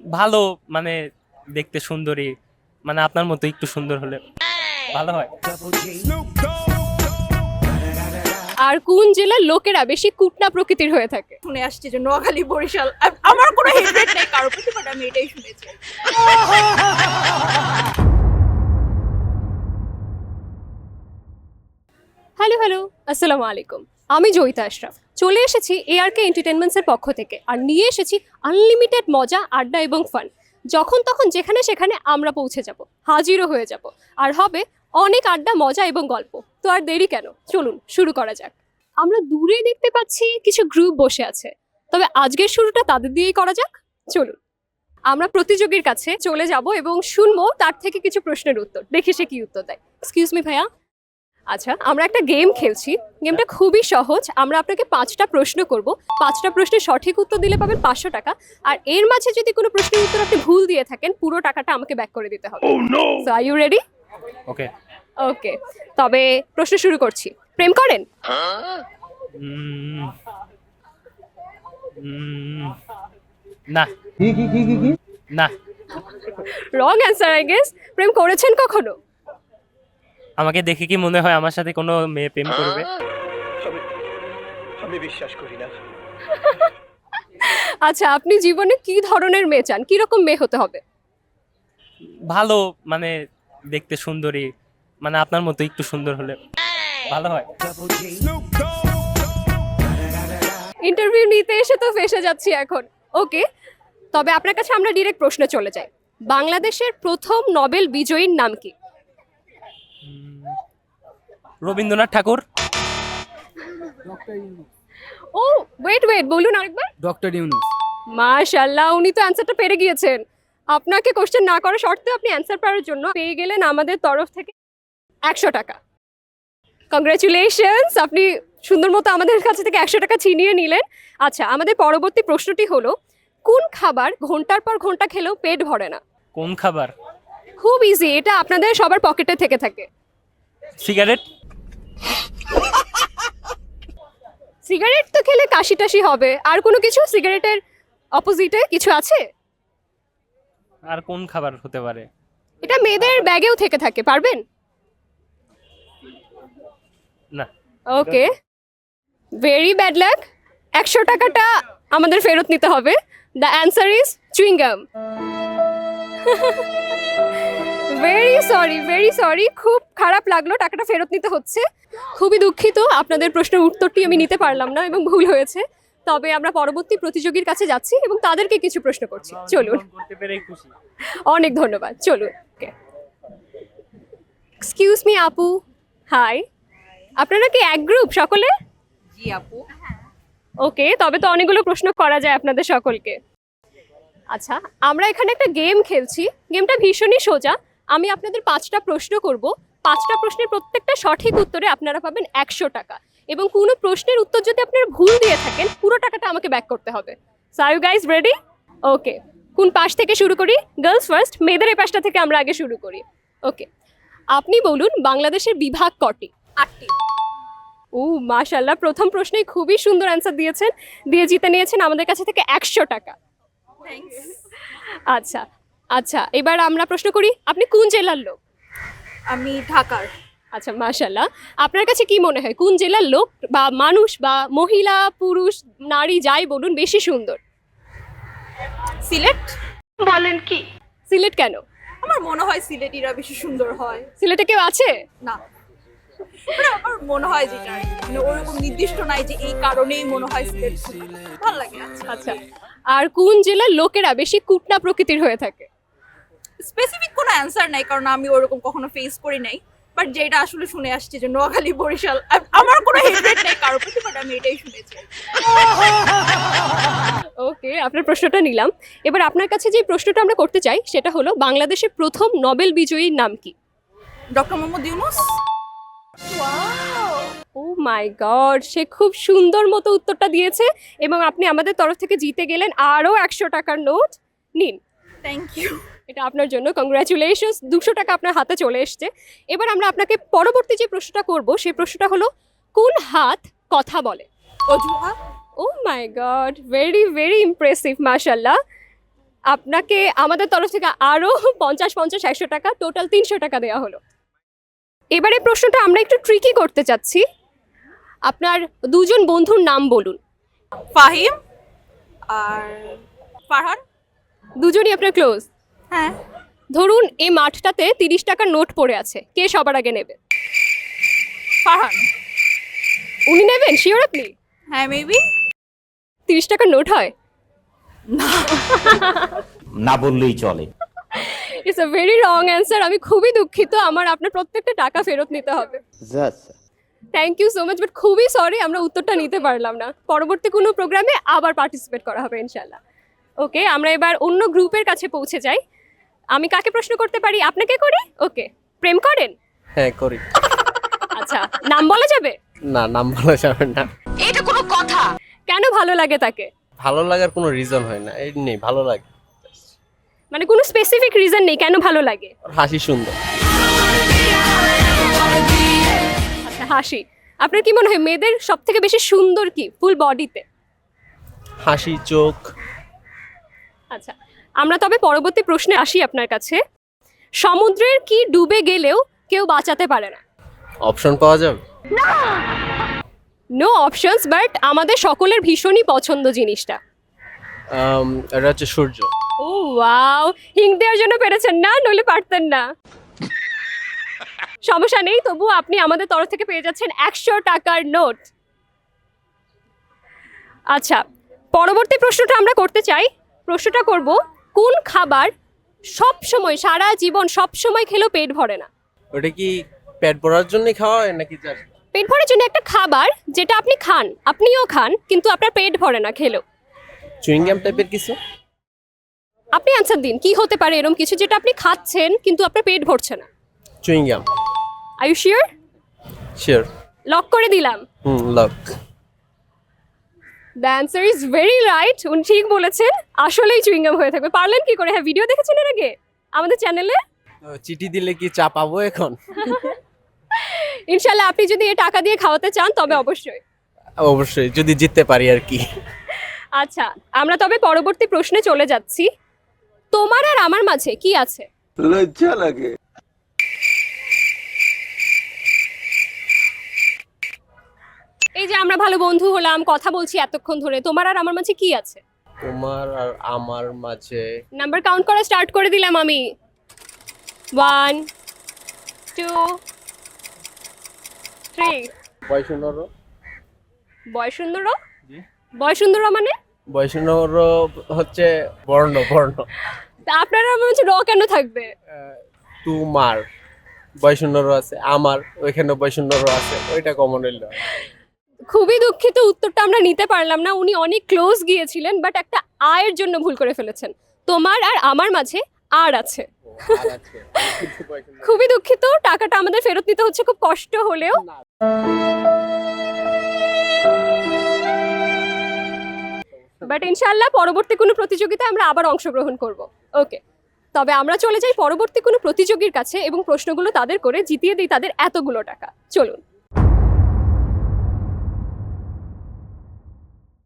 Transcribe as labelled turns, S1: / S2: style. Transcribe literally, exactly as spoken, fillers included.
S1: ভালো, মানে দেখতে সুন্দরী, মানে আপনার মতো একটু সুন্দর হলে ভালো হয়।
S2: আর কোন জেলার লোকেরা বেশি কুটনা প্রকৃতির হয়ে থাকে?
S3: শুনে আসছি যে নোয়াখালী বরিশাল আ- আমার কোনো হেট্রেট নেই কারোর প্রতি, বাট আমি এটাই শুনেছি।
S2: হ্যালো হ্যালো, আসসালামু আলাইকুম। আমি জয়িতা আশরাফ চলে এসেছি এআরকে এন্টারটেনমেন্টসের পক্ষ থেকে, আর নিয়ে এসেছি আনলিমিটেড মজা, আড্ডা এবং ফান। যখন তখন যেখানে সেখানে আমরা পৌঁছে যাব, হাজিরও হয়ে যাব, আর হবে অনেক আড্ডা, মজা এবং গল্প। তো আর দেরি কেন, চলুন শুরু করা যাক। আমরা দূরে দেখতে পাচ্ছি কিছু গ্রুপ বসে আছে, তবে আজকের শুরুটা তাদের দিয়েই করা যাক। চলুন আমরা প্রতিযোগীর কাছে চলে যাব এবং শুনবো তার থেকে কিছু প্রশ্নের উত্তর, দেখি সে কি উত্তর দেয়। এক্সকিউজ মি ভাইয়া। আচ্ছা, আমরা একটা গেম খেলছি। গেমটা খুবই সহজ। আমরা আপনাকে পাঁচটা প্রশ্ন করব, পাঁচটা প্রশ্নের সঠিক উত্তর দিলে পাবেন পাঁচশো টাকা। আর এর মাঝে যদি কোনো প্রশ্নের উত্তর আপনি ভুল দিয়ে থাকেন, পুরো টাকাটা আমাকে ব্যাক করে দিতে হবে। So are you ready?
S1: Okay.
S2: Okay, তবে প্রশ্ন শুরু করছি। প্রেম করেন?
S1: উম, উম, না না।
S2: Wrong answer I guess. প্রেম করেছেন কখনো?
S1: আমাকে দেখে কি মনে হয় আমার সাথে কোনো মেয়ে প্রেম করবে?
S4: আমি বিশ্বাস করি না।
S2: আচ্ছা, আপনি জীবনে কি ধরনের মেয়ে চান? কিরকম মেয়ে হতে হবে?
S1: ভালো, মানে দেখতে সুন্দরী, মানে আপনার মতো একটু সুন্দর হলে ভালো হয়।
S2: ইন্টারভিউ নিতে এসে তো ফেসে যাচ্ছি এখন। ওকে, তবে আপনার কাছে আমরা ডিরেক্ট প্রশ্নে চলে যাই। বাংলাদেশের প্রথম নোবেল বিজয়ীর নাম কি?
S1: Rabindranath Thakur.
S2: Oh wait wait, বলুন আরেকবার।
S5: ডক্টর ইউনুস।
S2: মাশাআল্লাহ, উনি তো অ্যান্সারটা পেরে গিয়েছেন। আপনাকে কোশ্চেন না করা সত্ত্বেও আপনি অ্যান্সার পাওয়ার জন্য পেয়ে গেলেন আমাদের তরফ থেকে একশো টাকা। কংগ্রাচুলেশনস, আপনি সুন্দর মতো আমাদের কাছে থেকে একশো টাকা ছিনিয়ে নিলেন। আচ্ছা, আমাদের পরবর্তী প্রশ্নটি হলো, কোন খাবার ঘন্টার পর ঘন্টা খেলেও পেট ভরে না?
S1: কোন খাবার?
S2: খুব ইজি, এটা আপনাদের সবার পকেটে থেকে থাকে।
S1: সিগারেট।
S2: সিগারেট তো খেলে কাশি টাশি হবে, আর কোনো কিছু সিগারেটের অপোজিটে কিছু আছে?
S1: আর কোন খাবার হতে পারে?
S2: এটা মেয়েদের ব্যাগেও থেকে থাকে, পারবেন?
S1: না।
S2: Okay, very bad luck. একশো টাকাটা আমাদের ফেরত নিতে হবে। The answer is chewing gum. Very sorry, very sorry, খুব খারাপ লাগলো, টাকাটা ফেরত নিতে হচ্ছে। খুবই দুঃখিত, আপনাদের প্রশ্নের উত্তরটি আমি নিতে পারলাম না এবং ভুল হয়েছে। তবে আমরা পরবর্তী প্রতিযোগীর কাছে যাচ্ছি এবং তাদেরকে কিছু প্রশ্ন করছি। চলুন।
S1: করতে পেরেই খুশি।
S2: অনেক ধন্যবাদ, চলুন। এক্সকিউজ মি আপু। হাই, আপনারা কি এক গ্রুপ সকলে?
S3: জি আপু।
S2: ওকে, তবে তো অনেকগুলো প্রশ্ন করা যায় আপনাদের সকলকে। আচ্ছা, আমরা এখানে একটা গেম খেলছি। গেমটা ভীষণই সোজা। আমি আপনাদের পাঁচটা প্রশ্ন করব। পাঁচটা প্রশ্নের প্রত্যেকটা সঠিক উত্তরে আপনারা পাবেন একশো টাকা, এবং কোনো প্রশ্নের উত্তর যদি আপনারা ভুল দিয়ে থাকেন, পুরো টাকাটা আমাকে ব্যাক করতে হবে। So are you guys ready? Okay, কোন পাশ থেকে শুরু করি? গার্লস ফার্স্ট, মেয়েদের এই পাশটা থেকে আমরা আগে শুরু করি। ওকে, আপনি বলুন বাংলাদেশের বিভাগ কটি?
S3: আটটি।
S2: ও মাশাল্লাহ, প্রথম প্রশ্নেই খুবই সুন্দর অ্যান্সার দিয়েছেন, দিয়ে জিতে নিয়েছেন আমাদের কাছে থেকে একশো টাকা।
S3: থ্যাঙ্কস।
S2: আচ্ছা আচ্ছা, এবার আমরা প্রশ্ন করি, আপনি কোন জেলার লোক?
S3: আমি ঢাকার।
S2: আচ্ছা মাশাল্লাহ, আপনার কাছে কি মনে হয় কোন জেলার লোক বা মানুষ বা মহিলা পুরুষ নারী যাই বলুন বেশি সুন্দর?
S3: সিলেট। বলেন কি?
S2: সিলেট কেন?
S3: আমার মনে হয় সিলেটিরা বেশি সুন্দর হয়।
S2: সিলেটে কেউ আছে?
S3: না, মানে আমার মনে হয় যেটা আর কি। মানে ওরকম নির্দিষ্ট নাই যে এই কারণেই মনে হয় সিলেট সুন্দর। ভালো লাগে। আচ্ছা,
S2: আচ্ছা, আর কোন জেলার লোকেরা বেশি কুটনা প্রকৃতির হয়ে থাকে?
S3: স্পেসিফিক কোনো অ্যান্সার নাই, কারণ আমি ওরকম কখনো ফেস করি নাই। বাট যেটা আসলে শুনে আসছি যে নোয়াখালী বরিশাল আ- আমার কোনো হেট্রেট নেই কারোর প্রতি, বাট আমি এটাই শুনেছি।
S2: ওকে, আপনার প্রশ্নটা নিলাম। এবার আপনার কাছে যে প্রশ্নটা আমরা করতে চাই সেটা হলো, বাংলাদেশের প্রথম নোবেল বিজয়ীর নাম কি?
S3: Doctor Mohammad Yunus.
S2: Oh my God, সে খুব সুন্দর মতো উত্তরটা দিয়েছে এবং আপনি আমাদের তরফ থেকে জিতে গেলেন আরও একশো টাকার নোট। নিন,
S3: থ্যাংক ইউ।
S2: এটা আপনার জন্য। কংগ্রাচুলেশনস, দুশো টাকা আপনার হাতে চলে এসছে। এবার আমরা আপনাকে পরবর্তী যে প্রশ্নটা করব সেই প্রশ্নটা হলো, কোন হাত কথা বলে?
S3: অজুহা।
S2: Oh my God, very very impressive, মাশাল্লাহ। আপনাকে আমাদের তরফ থেকে আরো পঞ্চাশ পঞ্চাশ একশো টাকা টোটাল তিনশো টাকা দেওয়া হলো। এবারে প্রশ্নটা আমরা একটু ট্রিকি করতে চাচ্ছি। আপনার দুজন বন্ধুর নাম বলুন।
S3: ফাহিম আর ফারহান।
S2: দুজনই আপনার ক্লোজ।
S3: হ্যাঁ।
S2: ধরুন এই মাঠটাতে তিরিশ টাকার নোট পড়ে আছে, কে সবার আগে নেবে?
S3: ফারহান।
S2: উনি নেবেন শিওর আপনি?
S3: হ্যাঁ মেবি।
S2: তিরিশ টাকার নোট হয়?
S4: না বললেই চলে।
S2: It's a very wrong answer. আমি খুবই দুঃখিত, আমার আপনার প্রত্যেকটা টাকা ফেরত নিতে হবে। Thank you so much, but খুবই সরি আমরা উত্তরটা নিতে পারলাম না। পরবর্তী কোনো প্রোগ্রামে আবার পার্টিসিপেট করা হবে ইনশাল্লাহ। ওকে, আমরা এবার অন্য গ্রুপের কাছে পৌঁছে যাই। আমি কাকে প্রশ্ন করতে পারি? আপনাকে করি। ওকে, প্রেম করেন?
S5: হ্যাঁ করি।
S2: আচ্ছা, নাম বলা যাবে?
S5: না, নাম বলা যাবে না।
S2: এটা কোনো কথা? কেন ভালো লাগে তাকে?
S5: ভালো লাগার কোনো রিজন হয় না, এই নেই, ভালো লাগে।
S2: মানে কোনো স্পেসিফিক রিজন নেই কেন ভালো লাগে?
S5: ওর হাসি সুন্দর।
S2: আচ্ছা, হাসি। আপনার কি মনে হয় মেয়েদের সব থেকে বেশি সুন্দর কি ফুল বডিতে?
S5: হাসি, চোখ।
S2: আচ্ছা, আমরা তবে পরবর্তী প্রশ্নে আসি আপনার কাছে। সমুদ্রের কি ডুবে গেলেও কেউ বাঁচাতে পারে না?
S5: অপশন পাওয়া যাবে?
S2: নো অপশনস, বাট আমাদের সকলের ভীষণই পছন্দ জিনিসটা।
S5: আম, এটা হচ্ছে সূর্য।
S2: ও ওয়াও, হিং দেওয়ার জন্য পেরেছেন না, নইলে পারতেন না। সমস্যা নেই, তবু আপনি আমাদের তরফ থেকে পেয়ে যাচ্ছেন একশো টাকার নোট। আচ্ছা, পরবর্তী প্রশ্নটা আমরা করতে চাই। প্রশ্নটা করব, কোন খাবার সব সময় সারা জীবন সব সময় খেলেও পেট ভরে না?
S5: ওটা কি পেট ভরার জন্য খাওয়া হয় নাকি just?
S2: পেট ভরার জন্য একটা খাবার যেটা আপনি খান, আপনিও খান, কিন্তু আপনার পেট ভরে না খেলেও।
S5: চুইং গাম টাইপের কিছু?
S2: আপনি অ্যান্সার দিন, কি হতে পারে এরকম কিছু যেটা আপনি খাচ্ছেন কিন্তু আপনার পেট ভরছে না?
S5: Chewing gum.
S2: Are you sure?
S5: Sure.
S2: Lock করে দিলাম।
S5: Hmm, lock.
S2: The answer is very right. উনি ঠিক বলেছেন, আসলেই চুইংগাম হয়ে থাকবে। পারলেন কি করে? হ্যাঁ, ভিডিও দেখেছেন এর আগে আমাদের চ্যানেলে?
S5: চিঠি দিলে কি চা পাবো এখন?
S2: ইনশাল্লাহ আপনি যদি এই টাকা দিয়ে খাওয়াতে চান তবে অবশ্যই।
S5: অবশ্যই, যদি জিততে পারি আর কি।
S2: আচ্ছা, আমরা তবে পরবর্তী প্রশ্নে চলে যাচ্ছি। তোমার আর আমার মাঝে কি আছে?
S6: লজ্জা লাগে।
S2: এই যে আমরা ভালো বন্ধু হলাম, কথা বলছি এতক্ষণ ধরে, তোমার আর আমার মাঝে কি আছে?
S5: তোমার আর আমার মাঝে
S2: নাম্বার কাউন্ট করা স্টার্ট করে দিলাম আমি। One, two, three.
S5: বয়সুন্দর।
S2: বয়সুন্দর? বয়সুন্দর মানে?
S5: বয়সুন্দর হচ্ছে বর্ণ, বর্ণ।
S2: তা আপনার আমার মাঝে র কেন থাকবে?
S5: তোমার বয়সুন্দর আছে, আমার ওইখানে বয়সুন্দর আছে, ওইটা কমন হইল।
S2: খুবই দুঃখিত, উত্তরটা আমরা নিতে পারলাম না। উনি অনেক ক্লোজ গিয়েছিলেন, বাট একটা আয়ের জন্য ভুল করে ফেলেছেন। তোমার আর আমার মাঝে আর আছে। খুবই দুঃখিত, টাকাটা আমাদের ফেরত নিতে হচ্ছে খুব কষ্ট হলেও। বাট ইনশাআল্লাহ পরবর্তী কোনো প্রতিযোগিতায় আমরা আবার অংশগ্রহণ করব। ওকে, তবে আমরা চলে যাই পরবর্তী কোনো প্রতিযোগীর কাছে এবং প্রশ্নগুলো তাদের করে জিতিয়ে দিই তাদের এতগুলো টাকা। চলুন।